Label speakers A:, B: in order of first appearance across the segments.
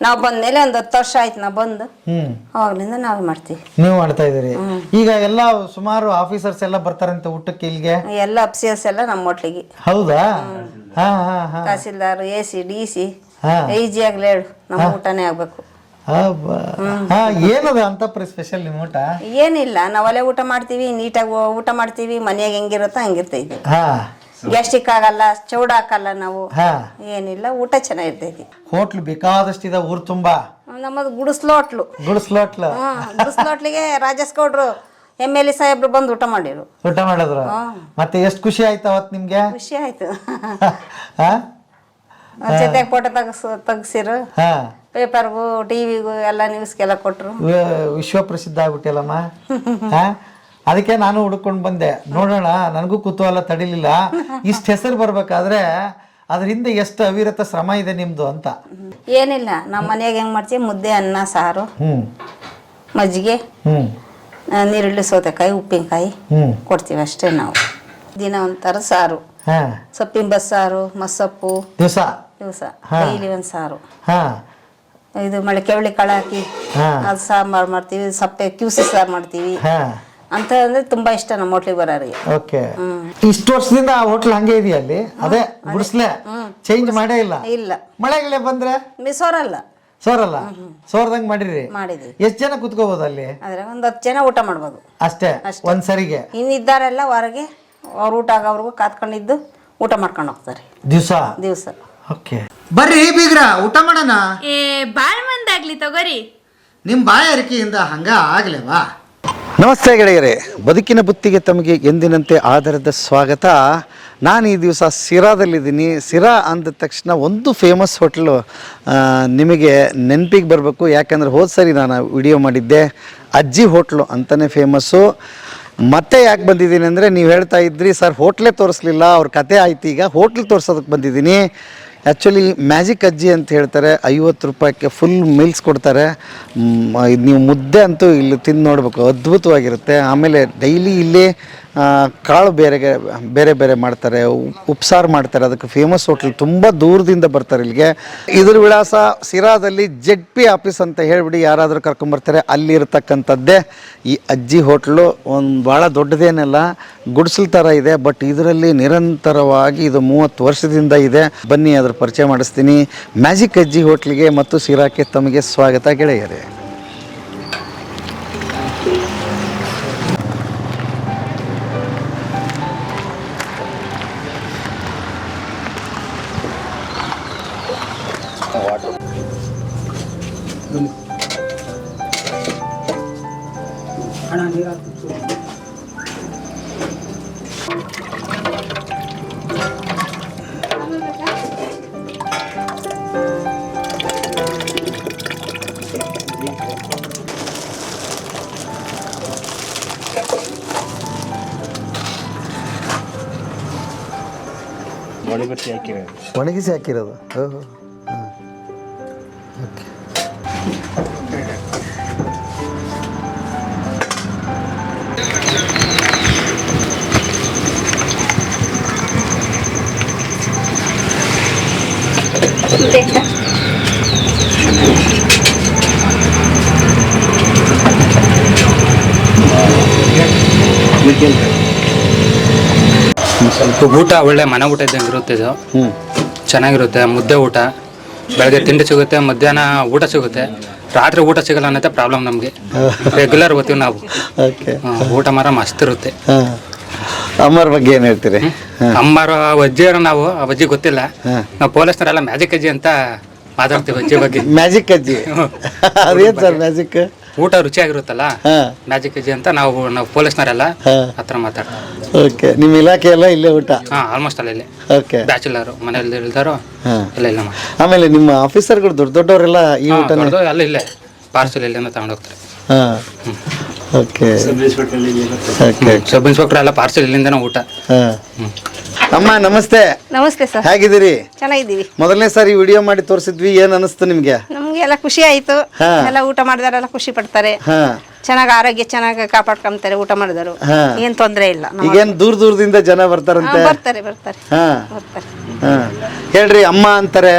A: ನಾವು ಬಂದ್ಮೇಲೆ ಒಂದು 10 ವರ್ಷ ಆಯ್ತು ನಾವು ಬಂದು ಅವಾಗ್ಲಿಂದ ನಾವೇ ಮಾಡ್ತೀವಿ.
B: ನೀವು ಮಾಡ್ತಾ ಇದೀರಿ. ಈಗ ಎಲ್ಲ ಸುಮಾರು ಆಫೀಸರ್ಸ್ ಎಲ್ಲ ಬರ್ತಾರಂತೆ ಊಟಕ್ಕೆ ಇಲ್ಲಿಗೆ.
A: ಎಲ್ಲ ಅಫ್ಸಿಯರ್ಸ್ ಎಲ್ಲ ನಮ್ಮ ಹೋಟ್ಲಿಗೆ.
B: ಹೌದಾ?
A: ತಹಸೀಲ್ದಾರ್, AC, DC ಈಜಿಯಾಗ್ಲೇ ಹೇಳು ನಮ್ಮ ಊಟನೇ ಆಗ್ಬೇಕು.
B: ಏನದ ಅಂತ ಸ್ಪೆಷಲ್ ನಿಮ್ಮ ಊಟ?
A: ಏನಿಲ್ಲ, ನಾವು ಅಲ್ಲೇ ಊಟ ಮಾಡ್ತೀವಿ, ನೀಟಾಗಿ ಊಟ ಮಾಡ್ತೀವಿ. ಮನೆಯಾಗ ಹೆಂಗಿರುತ್ತೋ ಹಂಗಿರ್ತೈತಿ. ಗ್ಯಾಸ್ಟ್ರಿಕ್ ಆಗಲ್ಲ, ಚೌಡ ಹಾಕಲ್ಲ ನಾವು. ಏನಿಲ್ಲ, ಊಟ ಚೆನ್ನಾಗಿರ್ತೈತಿ.
B: ಹೋಟ್ಲು ಬೇಕಾದಷ್ಟಿದೆ ಊರ್ ತುಂಬಾ.
A: ನಮ್ಮದು ಗುಡಿಸ್ಲು ಹೋಟ್ಲು. ಗುಡಿಸ್ಲೋಟ್ಲಿಗೆ ರಾಜೇಶ್ ಗೌಡ್ರು MLA ಸಾಹೇಬ್ರು ಬಂದು ಊಟ ಮಾಡಿರು.
B: ಊಟ ಮಾಡಿದ್ರು. ಮತ್ತೆ ಎಷ್ಟು ಖುಷಿ ಆಯ್ತು ಅವತ್ತು ನಿಮ್ಗೆ?
A: ಖುಷಿ ಆಯ್ತು. ಜೊತೆಗೆ ಫೋಟೋ ತೆಗ್ಸಿರು, ಪೇಪರ್ಗೂ ಟಿವಿಗೂ ಎಲ್ಲ ನ್ಯೂಸ್ಗೆಲ್ಲ ಕೊಟ್ರು.
B: ವಿಶ್ವ ಪ್ರಸಿದ್ಧ ಆಗ್ಬಿಟ್ಟಿಲ್ಲಮ್ಮ. ಅದಕ್ಕೆ ನಾನು ಹುಡ್ಕೊಂಡು ಬಂದೆ, ನೋಡೋಣ, ನನಗೂ ಕುತೂಹಲ ತಡಿಲಿಲ್ಲ. ಇಷ್ಟು ಹೆಸರು ಬರ್ಬೇಕಾದ್ರೆ ಅದರಿಂದ ಎಷ್ಟು ಅವಿರತ ಶ್ರಮ ಇದೆ ನಿಮ್ದು ಅಂತ.
A: ಏನಿಲ್ಲ, ನಮ್ಮ ಮನೆಯಾಗ ಹೆಂಗ್ ಮಾಡ್ತೀವಿ, ಮುದ್ದೆ, ಅನ್ನ, ಸಾರು, ಮಜ್ಜಿಗೆ, ನೀರುಳ್ಳಿ, ಸೌತೆಕಾಯಿ, ಉಪ್ಪಿನಕಾಯಿ ಕೊಡ್ತೀವಿ ಅಷ್ಟೇ. ನಾವು ದಿನ ಒಂಥರ ಸಾರು, ಸೊಪ್ಪಿನ ಬಸ್ಸಾರು, ಮಸ್ಸೊಪ್ಪು ದಿವಸ ಡೈಲಿ ಒಂದು ಸಾರು. ಇದು ಮೊಳಕೆ ಕಾಳು ಹಾಕಿ ಅದು ಸಾಂಬಾರು ಮಾಡ್ತೀವಿ. ಸಪ್ಪೆ ಕ್ಯೂಸಿ ಸಾರು ಮಾಡ್ತೀವಿ ಅಂತ. ಅಂದ್ರೆ ತುಂಬಾ ಇಷ್ಟ ನಮ್ಮ ಹೋಟ್ಲಿಗೆ ಬರೋರಿಗೆ.
B: ಓಕೆ, ಇಷ್ಟು ವರ್ಷದಿಂದ ಆ ಹೋಟ್ಲ್ ಹಂಗೆ ಇದೆಯಾ? ಅಲ್ಲಿ ಅದೇ ಗುಡಿಸ್ಲೆ ಚೇಂಜ್ ಮಾಡೇ ಇಲ್ಲ?
A: ಇಲ್ಲ.
B: ಮಳೆಗಳೇ ಬಂದ್ರೆ
A: ಸೋರಲ್ಲ
B: ಸೋರ್ದಂಗ್ ಮಾಡಿರಿ.
A: ಮಾಡಿದ್ವಿ.
B: ಎಷ್ಟ್ ಜನ ಕುತ್ಕೋಬಹುದು ಅಲ್ಲಿ?
A: ಆದ್ರೆ ಒಂದ್ 10 ಜನ ಊಟ ಮಾಡ್ಬೋದು
B: ಅಷ್ಟೇ ಒಂದ್ಸರಿಗೆ.
A: ಇನ್ನಿದ್ದಾರೆಲ್ಲ ಹೊರಗೆ ಅವ್ರ ಊಟ ಆಗೋವ್ರಿಗೂ ಕಾತ್ಕೊಂಡಿದ್ದು ಊಟ ಮಾಡ್ಕೊಂಡು ಹೋಗ್ತಾರೆ ದಿವಸ.
B: ಓಕೆ, ಬರ್ರಿ ಬೀಗ್ರ ಊಟ ಮಾಡೋಣ.
C: ಬಾಳ್ ಮಂದಾಗ್ಲಿ ತಗೋರಿ.
B: ನಿಮ್ ಬಾಯಾರಿಕೆಯಿಂದ ಹಂಗ ಆಗ್ಲೇವಾ? ನಮಸ್ತೆ ಗೆಳೆಯರೇ, ಬದುಕಿನ ಬುತ್ತಿಗೆ ತಮಗೆ ಎಂದಿನಂತೆ ಆಧಾರದ ಸ್ವಾಗತ. ನಾನು ಈ ದಿವಸ ಸಿರಾದಲ್ಲಿದ್ದೀನಿ. ಸಿರಾ ಅಂದ ತಕ್ಷಣ ಒಂದು ಫೇಮಸ್ ಹೋಟ್ಲು ನಿಮಗೆ ನೆನಪಿಗೆ ಬರಬೇಕು. ಯಾಕಂದರೆ ಹೋದ ಸರಿ ನಾನು ವಿಡಿಯೋ ಮಾಡಿದ್ದೆ, ಅಜ್ಜಿ ಹೋಟ್ಲು ಅಂತಲೇ ಫೇಮಸ್ಸು. ಮತ್ತೆ ಯಾಕೆ ಬಂದಿದ್ದೀನಿ ಅಂದರೆ, ನೀವು ಹೇಳ್ತಾ ಇದ್ರಿ ಸರ್ ಹೋಟ್ಲೇ ತೋರಿಸ್ಲಿಲ್ಲ, ಅವ್ರ ಕತೆ ಆಯ್ತು, ಈಗ ಹೋಟ್ಲ್ ತೋರಿಸೋದಕ್ಕೆ ಬಂದಿದ್ದೀನಿ. ಆ್ಯಕ್ಚುಲಿ ಮ್ಯಾಜಿಕ್ ಅಜ್ಜಿ ಅಂತ ಹೇಳ್ತಾರೆ. 50 ರೂಪಾಯಿಗೆ ಫುಲ್ ಮೀಲ್ಸ್ ಕೊಡ್ತಾರೆ. ನೀವು ಮುದ್ದೆ ಅಂತೂ ಇಲ್ಲಿ ತಿಂದು ನೋಡಬೇಕು, ಅದ್ಭುತವಾಗಿರುತ್ತೆ. ಆಮೇಲೆ ಡೈಲಿ ಇಲ್ಲಿ ಕಾಳು ಬೇರೆ ಬೇರೆ ಮಾಡ್ತಾರೆ, ಉಪ್ಸಾರು ಮಾಡ್ತಾರೆ. ಅದಕ್ಕೆ ಫೇಮಸ್ ಹೋಟ್ಲ್, ತುಂಬ ದೂರದಿಂದ ಬರ್ತಾರೆ ಇಲ್ಲಿಗೆ. ಇದ್ರ ವಿಳಾಸ ಸಿರಾದಲ್ಲಿ ZP ಆಫೀಸ್ ಅಂತ ಹೇಳಿಬಿಡಿ, ಯಾರಾದರೂ ಕರ್ಕೊಂಬರ್ತಾರೆ. ಅಲ್ಲಿರ್ತಕ್ಕಂಥದ್ದೇ ಈ ಅಜ್ಜಿ ಹೋಟ್ಲು. ಒಂದು ಭಾಳ ದೊಡ್ಡದೇನಲ್ಲ, ಗುಡಿಸಲು ಥರ ಇದೆ. ಬಟ್ ಇದರಲ್ಲಿ ನಿರಂತರವಾಗಿ ಇದು 30 ವರ್ಷದಿಂದ ಇದೆ. ಬನ್ನಿ ಅದ್ರ ಪರಿಚಯ ಮಾಡಿಸ್ತೀನಿ. ಮ್ಯಾಜಿಕ್ ಅಜ್ಜಿ ಹೋಟ್ಲಿಗೆ ಮತ್ತು ಸಿರಾಕ್ಕೆ ತಮಗೆ ಸ್ವಾಗತ ಗೆಳೆಯರೇ. ಒಣಗಿಸಿ ಹಾಕಿರೋದು. ಓಹೋ, ಓಕೆ.
D: ಸ್ವಲ್ಪ ಊಟ ಒಳ್ಳೆ ಮನೆ ಊಟ ಇದ್ದಂಗೆ ಇರುತ್ತೆ. ಇದು ಚೆನ್ನಾಗಿರುತ್ತೆ. ಮುದ್ದೆ ಊಟ ಬೆಳಗ್ಗೆ ತಿಂಡಿ ಸಿಗುತ್ತೆ, ಮಧ್ಯಾಹ್ನ ಊಟ ಸಿಗುತ್ತೆ, ರಾತ್ರಿ ಊಟ ಸಿಗಲ್ಲ ಅನ್ನತ್ತೆ ಪ್ರಾಬ್ಲಮ್ ನಮಗೆ. ರೆಗ್ಯುಲರ್ ಓದ್ತೀವಿ ನಾವು. ಊಟ ಮಾರ ಮಸ್ತ್ ಇರುತ್ತೆ.
B: ಅಮ್ಮರ ಬಗ್ಗೆ ಏನು ಹೇಳ್ತೀರಿ?
D: ಅಮ್ಮರ ಅಜ್ಜಿಯರು, ನಾವು ಆ ಅಜ್ಜಿ ಗೊತ್ತಿಲ್ಲ, ನಾವು ಪೊಲೀಸ್ನವರೆಲ್ಲ ಮ್ಯಾಜಿಕ್ ಅಜ್ಜಿ ಅಂತ ಮಾತಾಡ್ತೀವಿ ಅಜ್ಜಿ ಬಗ್ಗೆ.
B: ಮ್ಯಾಜಿಕ್ ಅಜ್ಜಿ ಅದೇನು ಸರ್ ಮ್ಯಾಜಿಕ್?
D: ಊಟ ರುಚಿಯಾಗಿರುತ್ತಲ್ಲ, ಮ್ಯಾಜಿಕ್ ಅಜ್ಜಿ ಅಂತ ನಾವು ಪೊಲೀಸ್ನವರೆಲ್ಲ ಹತ್ರ ಮಾತಾಡ್ತೀವಿ.
B: ಓಕೆ, ನಿಮ್ಮ ಇಲಾಖೆ ಎಲ್ಲ ಇಲ್ಲೇ ಊಟ?
D: ಆಲ್ಮೋಸ್ಟ್ ಅಲ್ಲ ಇಲ್ಲೇ.
B: ಓಕೆ,
D: ಬ್ಯಾಚುಲರ್ ಮನೆಯಲ್ಲಿ ಇಲ್ದಾರೋ ಎಲ್ಲ ಇಲ್ಲ.
B: ಆಮೇಲೆ ನಿಮ್ಮ ಆಫೀಸರ್ಗಳು ದೊಡ್ಡವರೆಲ್ಲ ಈ ಊಟ
D: ಅಲ್ಲ ಇಲ್ಲೇ ಪಾರ್ಸಲ್ ಇಲ್ಲಿಂದ ತಗೊಂಡೋಗ್ತಾರೆ.
B: ಓಕೆ,
D: ಸಬ್ ಇನ್ಸ್ಪೆಕ್ಟರ್ ಎಲ್ಲ ಪಾರ್ಸಲ್ ಇಲ್ಲಿಂದನೇ ಊಟ.
B: ಅಮ್ಮ ನಮಸ್ತೆ.
C: ನಮಸ್ತೆ ಸರ್,
B: ಹೇಗಿದ್ದೀರಿ?
C: ಚೆನ್ನಾಗಿದ್ದೀವಿ.
B: ಮೊದಲನೇ ಸಾರಿ ವಿಡಿಯೋ ಮಾಡಿ ತೋರಿಸಿದ್ವಿ, ಏನ್ ಅನಿಸ್ತು ನಿಮ್ಗೆ?
C: ನಮ್ಗೆ ಎಲ್ಲ ಖುಷಿ ಆಯ್ತು. ಎಲ್ಲ ಊಟ ಮಾಡಿದಾರೆಲ್ಲ ಖುಷಿ ಪಡ್ತಾರೆ. ಚೆನ್ನಾಗಿ ಆರೋಗ್ಯ ಚೆನ್ನಾಗಿ ಕಾಪಾಡ್ಕೊಂತಾರೆ ಊಟ ಮಾಡಿದರು. ಏನ್ ತೊಂದರೆ ಇಲ್ಲ.
B: ಈಗೇನ್ ದೂರದಿಂದ ಜನ ಬರ್ತಾರಂತೆ?
C: ಬರ್ತಾರೆ.
B: ಹೇಳ್ರಿ, ಅಮ್ಮ ಅಂತಾರೆ,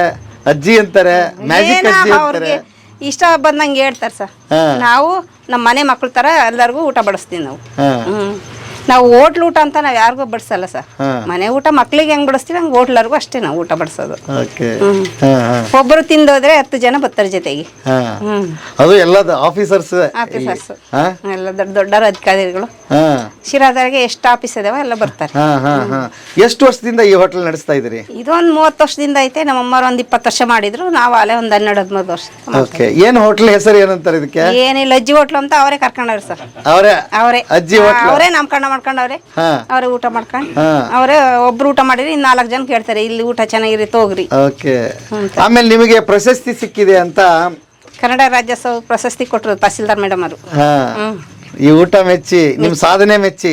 B: ಅಜ್ಜಿ ಅಂತಾರೆ, ಮ್ಯಾಜಿಕ್ ಅಜ್ಜಿ ಅಂತಾರೆ.
C: ಅವ್ರಿಗೆ ಇಷ್ಟ ಬಂದಂಗೆ ಹೇಳ್ತಾರೆ ಸರ್. ನಾವು ನಮ್ಮ ಮನೆ ಮಕ್ಳ ತರ ಎಲ್ಲರಿಗೂ ಊಟ ಬಡಿಸ್ತೀವಿ ನಾವು. ನಾವು ಹೋಟ್ಲ್ ಊಟ ಅಂತ ನಾವು ಯಾರಿಗೂ ಬಡಿಸಲ್ಲ ಸರ್. ಮನೆ ಊಟ ಮಕ್ಳಿಗೆ ಹೆಂಗ್ ಬಡಿಸ್ತೀವಿ ಹಂಗೆ ಹೋಟ್ಲರ್ಗೂ ಅಷ್ಟೇ ನಾವು ಊಟ ಬಡಿಸೋದು. ಒಬ್ಬರು ತಿಂದೋದ್ರೆ 10 ಜನ ಬರ್ತಾರೆ ಜೊತೆಗೆ.
B: ಅದು ಎಲ್ಲ ಆಫೀಸರ್ಸ್
C: ಎಲ್ಲ ದೊಡ್ಡ ದೊಡ್ಡ ಅಧಿಕಾರಿಗಳು ಶಿರಾದಾಗೆ ಎಷ್ಟು ಆಫೀಸ್ ಇದಾವ ಎಲ್ಲ ಬರ್ತಾರೆ.
B: ಎಷ್ಟು ವರ್ಷದಿಂದ ಈ ಹೋಟೆಲ್ ನಡೆಸ್ತಾ ಇದ್ದೀರಿ?
C: ಇದೊಂದು 30 ವರ್ಷದಿಂದ ಐತೆ. ನಮ್ಮಮ್ಮರು ಒಂದು 20 ವರ್ಷ ಮಾಡಿದ್ರು. ನಾವು ಅಲ್ಲೇ ಒಂದು 12-13 ವರ್ಷ.
B: ಏನು ಹೋಟ್ಲ್ ಹೆಸರು ಏನಂತಾರೆ ಇದಕ್ಕೆ?
C: ಏನಿಲ್ಲ, ಅಜ್ಜಿ ಹೋಟ್ಲು ಅಂತ ಅವರೇ ಕರ್ಕೊಂಡವ್ರಿ ಸರ್.
B: ಅವರೇ ಅಜ್ಜಿ ಹೋಟ್ಲ್
C: ಅವರೇ ನಾಮಕರಣ ಮಾಡ್ಕೊಂಡವ್ರೆ. ಅವರೇ ಊಟ ಮಾಡ್ಕೊಂಡು ಅವರೇ ಒಬ್ರು ಊಟ ಮಾಡಿರಿ, 4 ಜನ ಕೇಳ್ತಾರೆ ಇಲ್ಲಿ ಊಟ ಚೆನ್ನಾಗಿರುತ್ತೆ ಹೋಗ್ರಿ.
B: ಆಮೇಲೆ ನಿಮಗೆ ಪ್ರಶಸ್ತಿ ಸಿಕ್ಕಿದೆ ಅಂತ
C: ಕನ್ನಡ ರಾಜ್ಯೋತ್ಸವ ಪ್ರಶಸ್ತಿ ಕೊಟ್ಟರು ತಹಸೀಲ್ದಾರ್ ಮೇಡಮ್ ಅವರು.
B: ಈ ಊಟ ಮೆಚ್ಚಿ, ನಿಮ್ ಸಾಧನೆ ಮೆಚ್ಚಿ.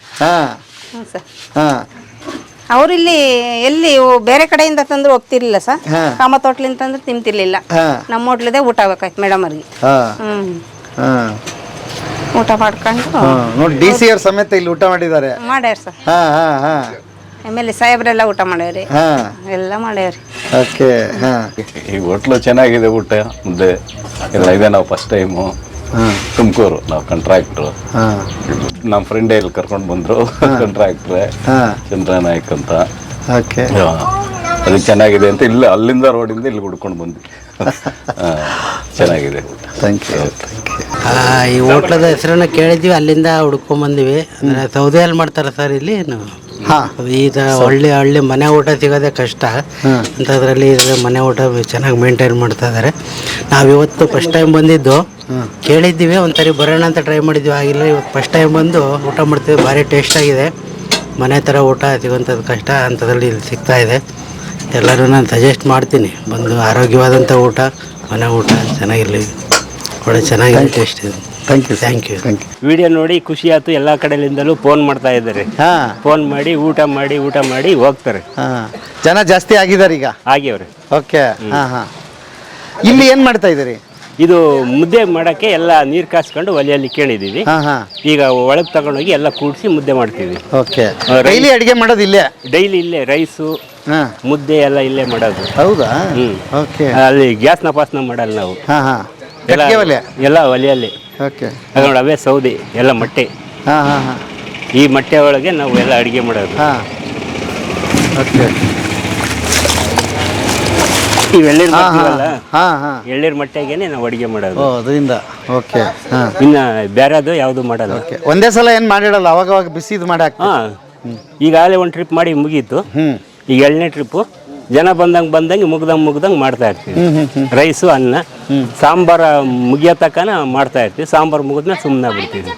C: ಅವ್ರು ಇಲ್ಲಿ ಎಲ್ಲಿ ಬೇರೆ ಕಡೆಯಿಂದ ತಂದ್ರು ಹೋಗ್ತಿರ್ಲಿಲ್ಲ ಸರ್. ಕಾಮತ್ ಹೋಟ್ಲಿಂದ ತಂದ್ರೆ ತಿಂತಿರ್ಲಿಲ್ಲ. ನಮ್ಮ ಹೋಟ್ಲಿದೆ ಊಟ ಆಗ್ಬೇಕಾಯ್ತು ಮೇಡಮ್ ಅವ್ರಿಗೆ. ಊಟ ಮಾಡ್ಕೊಂಡು
B: ನೋಡಿ DC ಅವ್ರ ಸಮೇತ ಇಲ್ಲಿ ಊಟ ಮಾಡಿದ್ದಾರೆ.
C: ಮಾಡ್ಯಾರ ಸರ್. ಆಮೇಲೆ ಸಾಹೇಬ್ರೆಲ್ಲ ಊಟ ಮಾಡ್ಯಾವ್ರಿ, ಎಲ್ಲ ಮಾಡ್ಯಾವ್ರಿ.
E: ಈ ಹೋಟ್ಲು ಚೆನ್ನಾಗಿದೆ, ಊಟ ಮುದ್ದೆ ಎಲ್ಲ ಇದೆ. ನಾವು ಫಸ್ಟ್ ಟೈಮು ತುಮಕೂರು, ನಾವು ಕಾಂಟ್ರಾಕ್ಟ್ರು. ನಮ್ಮ ಫ್ರೆಂಡೇ ಇಲ್ಲಿ ಕರ್ಕೊಂಡು ಬಂದ್ರು, ಕಾಂಟ್ರಾಕ್ಟ್ರೆ ಚಂದ್ರನಾಯ್ಕ್ ಅಂತ. ಅದು ಚೆನ್ನಾಗಿದೆ ಅಂತ ಇಲ್ಲಿ ಅಲ್ಲಿಂದ ರೋಡಿಂದ ಇಲ್ಲಿ ಹುಡ್ಕೊಂಡು ಬಂದ್ವಿ. ಚೆನ್ನಾಗಿದೆ ಊಟ.
B: Thank you.
F: ಈ ಹೋಟ್ಲದ ಹೆಸರನ್ನ ಕೇಳಿದ್ವಿ, ಅಲ್ಲಿಂದ ಹುಡ್ಕೊಂಬಂದಿವಿ. ಅಂದರೆ ಸೌದೆಯಲ್ಲಿ ಮಾಡ್ತಾರೆ ಸರ್ ಇಲ್ಲಿ. ಈಗ ಹಳ್ಳಿ ಮನೆ ಊಟ ಸಿಗೋದೇ ಕಷ್ಟ ಅಂಥದ್ರಲ್ಲಿ ಮನೆ ಊಟ ಚೆನ್ನಾಗಿ ಮೇಂಟೈನ್ ಮಾಡ್ತಾ ಇದ್ದಾರೆ. ನಾವಿವತ್ತು ಫಸ್ಟ್ ಟೈಮ್ ಬಂದಿದ್ದು, ಕೇಳಿದ್ದೀವಿ ಒಂದ್ಸರಿ ಬರೋಣ ಅಂತ ಟ್ರೈ ಮಾಡಿದ್ವಿ, ಆಗಿಲ್ಲ. ಇವತ್ತು ಫಸ್ಟ್ ಟೈಮ್ ಬಂದು ಊಟ ಮಾಡ್ತೀವಿ. ಭಾರಿ ಟೇಸ್ಟ್ ಆಗಿದೆ. ಮನೆ ಥರ ಊಟ ಸಿಗೋಂಥದ್ದು ಕಷ್ಟ, ಅಂಥದ್ರಲ್ಲಿ ಇಲ್ಲಿ ಸಿಗ್ತಾ ಇದೆ. ಎಲ್ಲರೂ ನಾನು ಸಜೆಸ್ಟ್ ಮಾಡ್ತೀನಿ, ಬಂದು ಆರೋಗ್ಯವಾದಂಥ ಊಟ, ಮನೆ ಊಟ ಚೆನ್ನಾಗಿರಲಿ, ಒಳ್ಳೆ ಚೆನ್ನಾಗಿದೆ, ಟೇಸ್ಟ್ ಇದೆ. Thank you.
G: ವಿಡಿಯೋ ನೋಡಿ ಖುಷಿ ಆಯ್ತು. ಎಲ್ಲ ಕಡೆಯಿಂದಲೂ ಫೋನ್ ಮಾಡ್ತಾ ಇದ್ದಾರೆ. ಫೋನ್ ಮಾಡಿ ಊಟ ಮಾಡಿ ಹೋಗ್ತಾರೆ.
B: ಜನ ಜಾಸ್ತಿ ಆಗಿದ್ದಾರೆ ಈಗ?
G: ಆಗ್ಯವ್ರೆ.
B: ಓಕೆ. ಇಲ್ಲಿ ಏನ್ ಮಾಡ್ತಾ ಇದ್ದೀರಿ?
G: ಇದು ಮುದ್ದೆ ಮಾಡಕ್ಕೆ ಎಲ್ಲ ನೀರು ಕಾಸ್ಕೊಂಡು ಒಲೆಯಲ್ಲಿ ಕೇಳಿದೀವಿ. ಈಗ ಒಳಗೆ ತಗೊಂಡೋಗಿ ಎಲ್ಲ ಕೂಡಿಸಿ ಮುದ್ದೆ ಮಾಡ್ತೀವಿ.
B: ಓಕೆ. ಡೈಲಿ ಅಡಿಗೆ ಮಾಡೋದು ಇಲ್ಲೇ?
G: ಡೈಲಿ ಇಲ್ಲೇ ರೈಸು ಮುದ್ದೆ ಎಲ್ಲ ಇಲ್ಲೇ ಮಾಡೋದು.
B: ಹೌದಾ? ಓಕೆ.
G: ಅಲ್ಲಿ ಗ್ಯಾಸ್ನ ಪಾಸ್ನ ಮಾಡಲ್ಲ ನಾವು, ಎಲ್ಲ ಒಲೆಯಲ್ಲಿ. ನೋಡಿ ಅವೇ ಸೌದೆ ಎಲ್ಲ ಮಟ್ಟೆ. ಈ ಮಟ್ಟೆ ಒಳಗೆ ನಾವು ಎಲ್ಲ ಅಡಿಗೆ ಮಾಡೋದು. ಇವೆಳ್ಳೀರು ಮಾಡ್ತೀವಲ್ಲ, ಎಳ್ಳೀರು ಮಟ್ಟೆಗೇನೆ ನಾವು ಅಡಿಗೆ ಮಾಡೋದು. ಇನ್ನ ಬೇರೆದು ಯಾವುದು ಮಾಡಲ್ಲ.
B: ಒಂದೇ ಸಲ ಏನ್ ಮಾಡಿಡಲ್ಲ, ಅವಾಗ ಬಿಸಿದು ಮಾಡಾಕ.
G: ಈಗಾಗಲೇ ಒಂದು ಟ್ರಿಪ್ ಮಾಡಿ ಮುಗೀತು. ಈಗ 2ನೇ ಟ್ರಿಪ್ಪು ಜನ ಬಂದಂಗೆ ಮುಗ್ದಂಗೆ ಮಾಡ್ತಾ ಇರ್ತೀವಿ. ರೈಸು ಅನ್ನ ಸಾಂಬಾರ ಮುಗಿಯೋ ತಕ್ಕನ ಮಾಡ್ತಾ ಇರ್ತೀವಿ. ಸಾಂಬಾರು ಮುಗಿದ್ಮೇಲೆ ಸುಮ್ಮನೆ ಬಿಡ್ತೀವಿ.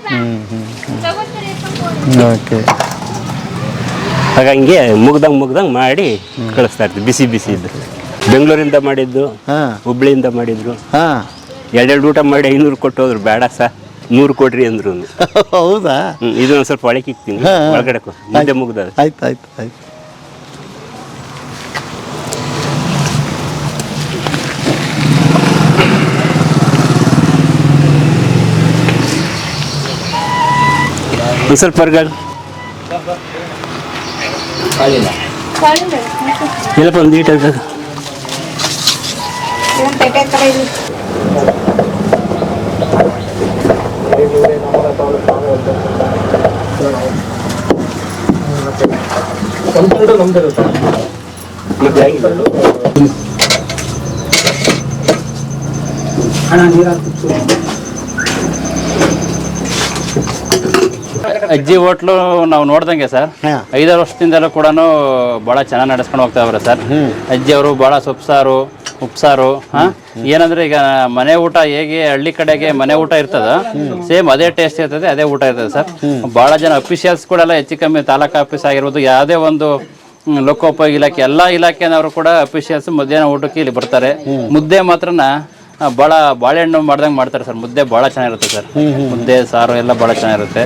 G: ಹಾಗಂಗೆ ಮುಗ್ದಂಗೆ ಮಾಡಿ ಕಳಿಸ್ತಾ ಇರ್ತೀವಿ. ಬಿಸಿ ಇದ್ದು ಬೆಂಗಳೂರಿಂದ ಮಾಡಿದ್ದು, ಹುಬ್ಳಿಯಿಂದ ಮಾಡಿದ್ರು. 2 ಊಟ ಮಾಡಿ 500 ಕೊಟ್ಟು ಹೋದ್ರು. ಬೇಡ ಸರ್ 100 ಕೊಡ್ರಿ ಅಂದ್ರು.
B: ಹೌದಾ?
G: ಇದನ್ನ ಸ್ವಲ್ಪ ಒಳಗೆ ಇಕ್ತೀನಿ, ಒಳಗಡೆ ಮುಂದೆ ಮುಗ್ದ.
B: ಆಯ್ತು.
G: ಒಂದು ಸ್ವಲ್ಪ ಹೊರಗಡೆ ಎಲ್ಲಪ್ಪ ಒಂದು ಈಟ
H: ಅಜ್ಜಿ ಹೋಟ್ಲು ನಾವು ನೋಡ್ದಂಗೆ ಸರ್ 5 ವರ್ಷದಿಂದಲೂ ಕೂಡ ಭಾಳ ಚೆನ್ನಾಗಿ ನಡೆಸ್ಕೊಂಡು ಹೋಗ್ತಾ ಇದ್ದಾರೆ ಸರ್. ಅಜ್ಜಿ ಅವರು ಭಾಳ ಸೊಪ್ಸಾರು ಉಪ್ಸಾರು ಏನಂದ್ರೆ ಈಗ ಮನೆ ಊಟ ಹೇಗೆ ಹಳ್ಳಿ ಕಡೆಗೆ ಮನೆ ಊಟ ಇರ್ತದ ಸೇಮ್ ಅದೇ ಟೇಸ್ಟ್ ಇರ್ತದೆ, ಅದೇ ಊಟ ಇರ್ತದೆ ಸರ್. ಭಾಳ ಜನ ಅಫಿಷಿಯಲ್ಸ್ ಕೂಡ ಹೆಚ್ಚು ಕಮ್ಮಿ ತಾಲೂಕು ಆಫೀಸ್ ಆಗಿರ್ಬೋದು, ಯಾವುದೇ ಒಂದು ಲೋಕೋಪಯೋಗಿ ಇಲಾಖೆ ಎಲ್ಲ ಇಲಾಖೆನವರು ಕೂಡ ಅಫಿಷಿಯಲ್ಸ್ ಮಧ್ಯಾಹ್ನ ಊಟಕ್ಕೆ ಇಲ್ಲಿ ಬರ್ತಾರೆ. ಮುದ್ದೆ ಮಾತ್ರನ ಭಾಳ ಬಾಳೆಹಣ್ಣು ಮಾಡ್ದಂಗೆ ಮಾಡ್ತಾರೆ ಸರ್. ಮುದ್ದೆ ಭಾಳ ಚೆನ್ನಾಗಿರುತ್ತೆ ಸರ್. ಮುದ್ದೆ ಸಾರು ಎಲ್ಲ ಭಾಳ ಚೆನ್ನಾಗಿರುತ್ತೆ.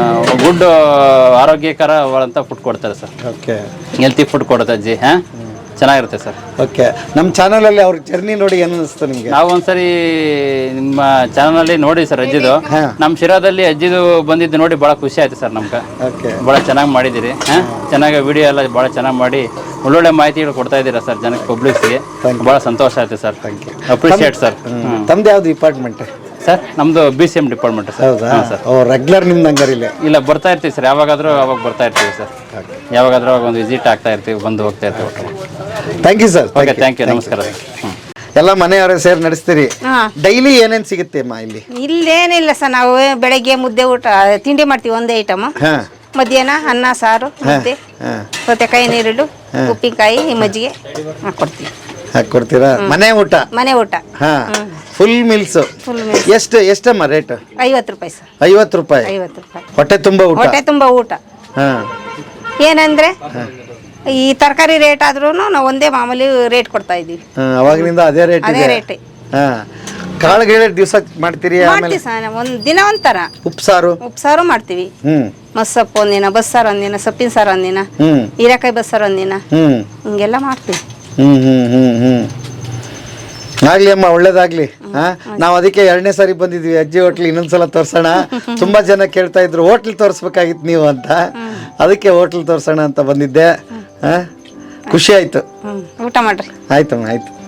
H: ಗುಡ್ ಆರೋಗ್ಯಕರವಾದಂಥ ಫುಡ್ ಕೊಡ್ತಾರೆ ಸರ್. ಹೆಲ್ತಿ ಫುಡ್ ಕೊಡುತ್ತೆ ಅಜ್ಜಿ. ಚೆನ್ನಾಗಿರುತ್ತೆ ಸರ್.
B: ಓಕೆ, ನಮ್ಮ ಚಾನಲಲ್ಲಿ ಅವ್ರ ಜರ್ನಿ ನೋಡಿ ಏನು ಅನಿಸ್ತು ನಿಮಗೆ?
H: ನಾವು ಒಂದ್ಸರಿ ನಿಮ್ಮ ಚಾನಲಲ್ಲಿ ನೋಡಿ ಸರ್ ಅಜ್ಜಿದು, ನಮ್ಮ ಶಿರಾದಲ್ಲಿ ಅಜ್ಜಿದು ಬಂದಿದ್ದು ನೋಡಿ ಭಾಳ ಖುಷಿ ಆಯ್ತು ಸರ್ ನಮ್ಗೆ.
B: ಓಕೆ,
H: ಭಾಳ ಚೆನ್ನಾಗಿ ಮಾಡಿದ್ದೀರಿ, ಚೆನ್ನಾಗಿ ವಿಡಿಯೋ ಎಲ್ಲ ಭಾಳ ಚೆನ್ನಾಗಿ ಮಾಡಿ ಒಳ್ಳೊಳ್ಳೆ ಮಾಹಿತಿಗಳು ಕೊಡ್ತಾ ಇದ್ದೀರಾ ಸರ್ ಜನಕ್ಕೆ, ಪಬ್ಲಿಕ್ಸ್ಗೆ. ಭಾಳ ಸಂತೋಷ ಆಯ್ತು ಸರ್, ಅಪ್ರಿಷಿಯೇಟ್ ಸರ್.
B: ತಮ್ದು ಯಾವ್ದು ಡಿಪಾರ್ಟ್ಮೆಂಟ್
H: ಸರ್? ನಮ್ಮದು BCM ಡಿಪಾರ್ಟ್ಮೆಂಟ್ ಸರ್.
B: ಹೌದಾ
H: ಸರ್.
B: ಓ, ರೆಗ್ಯುಲರ್ ನಿಮ್ದು ಹಂಗಾರಿಲ್ಲ?
H: ಇಲ್ಲ, ಬರ್ತಾ ಇರ್ತೀವಿ ಸರ್, ಯಾವಾಗಾದರೂ ಅವಾಗ ಬರ್ತಾ ಇರ್ತೀವಿ ಸರ್. ಯಾವಾಗಾದ್ರೂ ಅವಾಗ ಒಂದು ವಿಸಿಟ್ ಆಗ್ತಾ ಇರ್ತೀವಿ, ಬಂದು ಹೋಗ್ತಾ ಇರ್ತೀವಿ.
B: Thank you sir.
H: Okay, thank you, ನಮಸ್ಕಾರ.
B: ಎಲ್ಲ ಮನೆಯವರೇ ಸೇರಿ ನಡೆಸ್ತೀರಿ.
C: ಹಾಂ.
B: ಡೈಲಿ ಏನೇನು ಸಿಗುತ್ತೆ ಅಮ್ಮ ಇಲ್ಲಿ?
C: ಇಲ್ಲೇನಿಲ್ಲ ಸರ್, ನಾವು ಬೆಳಗ್ಗೆ ಮುದ್ದೆ ಊಟ ತಿಂಡಿ ಮಾಡ್ತೀವಿ, ಒಂದೇ ಐಟಮ್.
B: ಹಾಂ
C: ಮಧ್ಯಾಹ್ನ ಅನ್ನ ಸಾರು ಮುದ್ದೆ, ಸೌತೆಕಾಯಿ ನೀರುಳ್ಳು, ಉಪ್ಪಿನಕಾಯಿ, ಮಜ್ಜಿಗೆ ಹಾಕ್ಕೊಡ್ತೀವಿ.
B: ಹಾಕ್ಕೊಡ್ತೀರಾ? ಮನೆ ಊಟ?
C: ಮನೆ ಊಟ
B: ಹಾ, ಫುಲ್ ಮೀಲ್ಸ್. ಎಷ್ಟಮ್ಮ ರೇಟ್?
C: 50 ರೂಪಾಯಿ ಸರ್.
B: 50 ರೂಪಾಯಿ
C: 50 ರೂಪಾಯಿ
B: ಹೊಟ್ಟೆ ತುಂಬ ಊಟ?
C: ಹೊಟ್ಟೆ ತುಂಬ ಊಟ.
B: ಹಾ,
C: ಏನಂದ್ರೆ ಈ ತರಕಾರಿ ರೇಟ್ ಆದ್ರೂ ನಾವು ಒಂದೇ ಮಾಮೂಲಿ ರೇಟ್ ಕೊಡ್ತಾ ಇದೀವಿ.
B: ಅವಾಗಿನಿಂದ ಅದೇ ರೇಟ್
C: ಅದೇ
B: ಇದೆ?
C: ರೇಟ್.
B: ಹಾ, ಕಾಳುಗಳ ದಿವಸ ಮಾಡ್ತೀರಿ?
C: ಮಾಡ್ತೀವಿ ಸರ್, ಒಂದ್ ದಿನ ಒಂಥರ
B: ಉಪ್ಸಾರು?
C: ಉಪ್ಸಾರು ಮಾಡ್ತೀವಿ. ಮಸ್ಸಪ್ಪು ಒಂದಿನ, ಬಸ್ಸಾರು ಒಂದಿನ, ಸೊಪ್ಪಿನ ಸಾರು ಒಂದಿನ, ಹೀರೆಕಾಯಿ ಬಸ್ಸಾರು ಒಂದಿನ, ಹಿಂಗೆಲ್ಲ ಮಾಡ್ತೀವಿ.
B: ಆಗ್ಲಿ ಅಮ್ಮ, ಒಳ್ಳೇದಾಗ್ಲಿ. ನಾವು ಅದಕ್ಕೆ 2ನೇ ಸಾರಿ ಬಂದಿದ್ವಿ ಅಜ್ಜಿ ಹೋಟ್ಲ್, ಇನ್ನೊಂದ್ಸಲ ತೋರ್ಸೋಣ. ತುಂಬಾ ಜನ ಕೇಳ್ತಾ ಇದ್ರು ಹೋಟ್ಲ್ ತೋರ್ಸ್ಬೇಕಾಗಿತ್ತು ನೀವು ಅಂತ, ಅದಕ್ಕೆ ಹೋಟ್ಲ್ ತೋರ್ಸೋಣ ಅಂತ ಬಂದಿದ್ದೆ. ಖುಷಿ ಆಯ್ತು.
C: ಊಟ ಮಾಡ್ರಿ.
B: ಆಯ್ತಮ್ಮ, ಆಯ್ತು.